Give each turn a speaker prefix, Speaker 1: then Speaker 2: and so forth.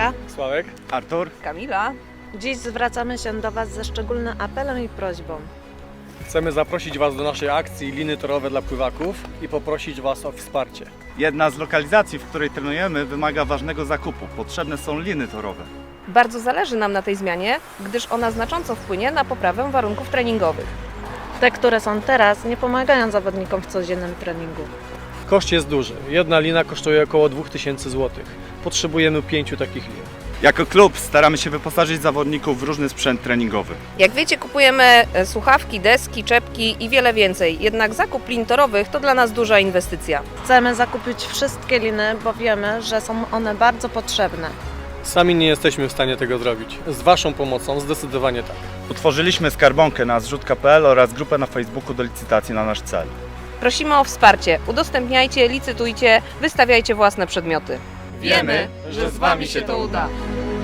Speaker 1: Agnieszka,
Speaker 2: Sławek.
Speaker 3: Artur.
Speaker 4: Kamila.
Speaker 1: dziś zwracamy się do Was ze szczególnym apelem i prośbą.
Speaker 2: Chcemy zaprosić Was do naszej akcji Liny torowe dla pływaków i poprosić Was o wsparcie.
Speaker 3: Jedna z lokalizacji, w której trenujemy, wymaga ważnego zakupu. Potrzebne są liny torowe.
Speaker 4: Bardzo zależy nam na tej zmianie, gdyż ona znacząco wpłynie na poprawę warunków treningowych.
Speaker 1: Te, które są teraz, nie pomagają zawodnikom w codziennym treningu.
Speaker 2: Koszt jest duży. Jedna lina kosztuje około 2000 zł. Potrzebujemy 5 takich lin.
Speaker 3: Jako klub staramy się wyposażyć zawodników w różny sprzęt treningowy.
Speaker 4: Jak wiecie, kupujemy słuchawki, deski, czepki i wiele więcej. Jednak zakup lin torowych to dla nas duża inwestycja.
Speaker 1: Chcemy zakupić wszystkie liny, bo wiemy, że są one bardzo potrzebne.
Speaker 2: Sami nie jesteśmy w stanie tego zrobić. Z Waszą pomocą zdecydowanie tak.
Speaker 3: Utworzyliśmy skarbonkę na zrzutka.pl oraz grupę na Facebooku do licytacji na nasz cel.
Speaker 4: Prosimy o wsparcie. Udostępniajcie, licytujcie, wystawiajcie własne przedmioty.
Speaker 2: Wiemy, że z Wami się to uda.